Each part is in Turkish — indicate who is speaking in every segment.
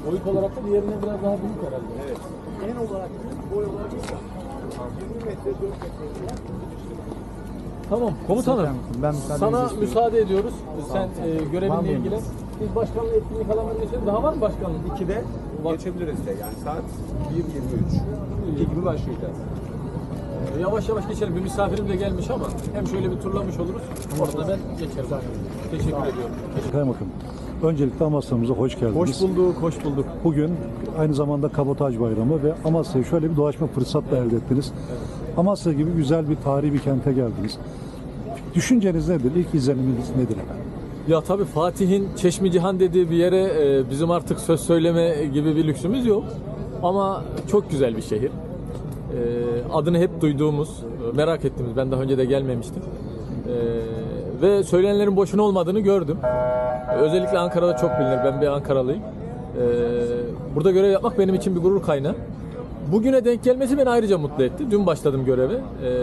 Speaker 1: Boyut olarak da diğerinden biraz daha büyük herhalde.
Speaker 2: Evet. En olarak boy olarak 20 metre 4 metre.
Speaker 1: Tamam komutanım.
Speaker 3: Ben
Speaker 1: Sana müsaade ediyoruz. Sen görevinle ilgilen. Biz başkanlığı etkinlik alanlarına geçelim. Daha var mı başkanlık?
Speaker 2: 2'de geçebiliriz de yani saat 1.23. 2 gibi başlayacağız.
Speaker 1: Yavaş yavaş geçelim. Bir misafirim de gelmiş ama hem şöyle bir turlamış oluruz. Orada ben geçerim. Teşekkür ediyorum.
Speaker 3: Kaymakam. Öncelikle Amasya'mıza hoş geldiniz.
Speaker 1: Hoş bulduk, hoş bulduk.
Speaker 3: Bugün aynı zamanda Kabotaj Bayramı ve Amasya'yı şöyle bir dolaşma fırsatla elde ettiniz. Amasya gibi güzel bir tarihi bir kente geldiniz. Düşünceniz nedir? İlk izleniminiz nedir efendim?
Speaker 1: Ya tabii Fatih'in Çeşmi Cihan dediği bir yere bizim artık söz söyleme gibi bir lüksümüz yok. Ama çok güzel bir şehir. Adını hep duyduğumuz, merak ettiğimiz, ben daha önce de gelmemiştim. Ve söylenenlerin boşuna olmadığını gördüm. Özellikle Ankara'da çok bilinir. Ben bir Ankaralıyım. Burada görev yapmak benim için bir gurur kaynağı. Bugüne denk gelmesi beni ayrıca mutlu etti. Dün başladım göreve.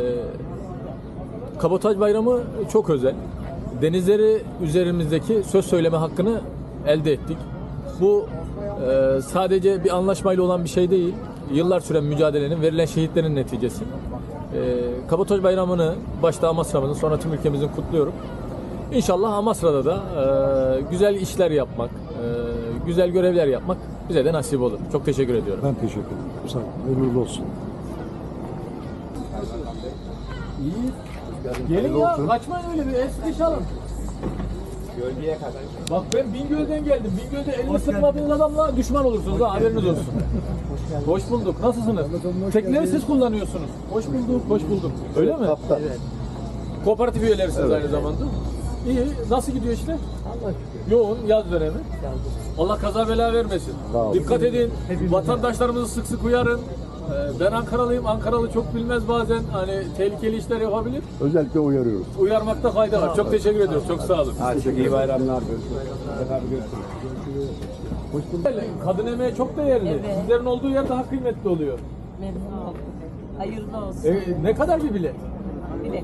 Speaker 1: Kabotaj Bayramı çok özel. Denizleri üzerimizdeki söz söyleme hakkını elde ettik. Bu sadece bir anlaşmayla olan bir şey değil. Yıllar süren mücadelenin, verilen şehitlerin neticesi. Kabotaj Bayramı'nı başta Amasra'mızın, sonra tüm ülkemizin kutluyorum. İnşallah Amasra'da da güzel işler yapmak, güzel görevler yapmak bize de nasip olur. Çok teşekkür ediyorum.
Speaker 3: Ben teşekkür ederim. Sağ olun. Uğurlu olsun.
Speaker 1: İyi. Gelin ya, kaçmayın öyle bir el alın.
Speaker 2: Gölgeye kadar.
Speaker 1: Bak ben Bingöl'den geldim. Bingöl'de elini sıkmadığınız adamla düşman olursunuz ha, haberiniz olsun. Hoş bulduk. Nasılsınız? Tekneleri siz kullanıyorsunuz. Hoş bulduk, hoş bulduk. Öyle mi?
Speaker 2: Evet.
Speaker 1: Kooperatif üyelerisiniz aynı zamanda. İyi. Nasıl gidiyor işte? Yoğun yaz dönemi. Allah kaza bela vermesin. Dikkat edin. Vatandaşlarımızı sık sık uyarın. Ben Ankaralıyım. Ankaralı çok bilmez bazen. Hani tehlikeli işler yapabilir.
Speaker 3: Özellikle uyarıyoruz.
Speaker 1: Uyarmakta fayda var. Çok teşekkür ediyoruz. Çok sağ olun.
Speaker 2: Hadi çok iyi bayramlar. Görüşürüz.
Speaker 1: Kadın emeği çok değerli.
Speaker 4: Evet.
Speaker 1: Sizlerin olduğu yer daha kıymetli oluyor.
Speaker 4: Memnun oldum. Hayırlı olsun.
Speaker 1: Ne kadar bir bilet?
Speaker 4: Bilet.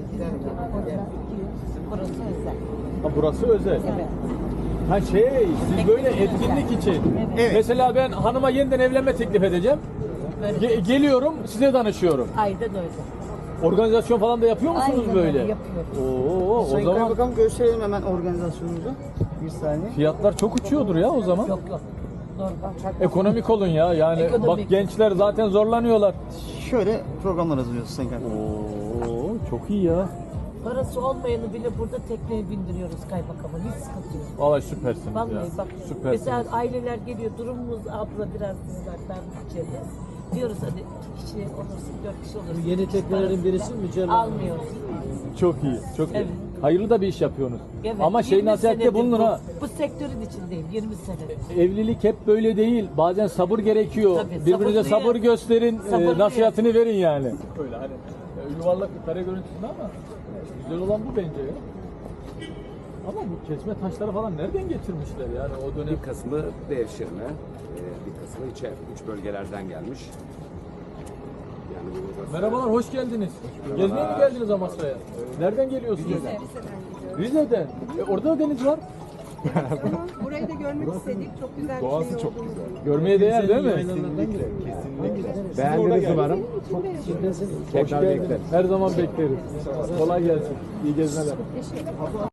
Speaker 4: Burası özel.
Speaker 1: Ha, burası özel.
Speaker 4: Evet.
Speaker 1: Ha siz böyle etkinlik için.
Speaker 4: Evet.
Speaker 1: Mesela ben hanıma yeniden evlenme teklif edeceğim.
Speaker 4: Böyle
Speaker 1: Geliyorum, size danışıyorum.
Speaker 4: ayda da öyle.
Speaker 1: Organizasyon falan da yapıyor musunuz
Speaker 4: Aynen
Speaker 1: böyle?
Speaker 4: öyle yapıyoruz.
Speaker 1: Oo, o
Speaker 5: Sayın
Speaker 1: zaman
Speaker 5: Kaymakam gösterelim hemen organizasyonumuzu. Bir saniye.
Speaker 1: fiyatlar çok uçuyordur ya o zaman.
Speaker 4: Yok. Normal.
Speaker 1: Ekonomik olun ya. Yani
Speaker 4: Ekonomik.
Speaker 1: bak gençler zaten zorlanıyorlar.
Speaker 5: Şöyle programlar hazırlıyoruz Sayın Kaymakam.
Speaker 1: Oo, çok iyi ya.
Speaker 4: Parası olmayanı bile burada tekneye bindiriyoruz kaymakama. Hiç sıkıntı yok.
Speaker 1: Vallahi süpersiniz
Speaker 4: Vallahi
Speaker 1: ya.
Speaker 4: bak.
Speaker 1: Süpersiniz.
Speaker 4: Mesela aileler geliyor. Durumumuz abla biraz ben bütçede. Diyoruz hadi 2 kişi olursun, 4 kişi olursun.
Speaker 6: Yeni teknelerin birisi mi Cem?
Speaker 4: Almıyoruz.
Speaker 1: Çok iyi, çok iyi.
Speaker 4: Evet.
Speaker 1: Hayırlı da bir iş yapıyorsunuz.
Speaker 4: Evet,
Speaker 1: Ama
Speaker 4: 20
Speaker 1: nasihatte
Speaker 4: senedir
Speaker 1: bulunun ha.
Speaker 4: Bu sektörün içindeyim 20 senedir.
Speaker 1: Evlilik hep böyle değil. Bazen sabır gerekiyor.
Speaker 4: Tabii,
Speaker 1: Birbirinize
Speaker 4: sabırlıyım.
Speaker 1: sabır gösterin,
Speaker 4: Sabırlıyım.
Speaker 1: nasihatini verin yani. Öyle hani yuvarlak bir kare görüntüsünde ama güzel olan bu bence ya. Ama bu kesme taşları falan nereden getirmişler yani o dönem?
Speaker 2: Bir kısmı devşirme, bir kısmı içer. 3 bölgelerden gelmiş. Yani bu
Speaker 1: Merhabalar, hoş geldiniz. Gezmeye mi geldiniz Amasra'ya? Nereden geliyorsunuz? Rize'den. Orada da deniz var.
Speaker 7: Burayı da görmek istedik. Çok güzel bir şey çok güzel.
Speaker 1: Görmeye değer değil mi?
Speaker 2: Kesinlikle. Beğendiniz umarım.
Speaker 1: Hoş geldiniz. Her zaman bekleriz. Kolay gelsin. İyi gezmeler.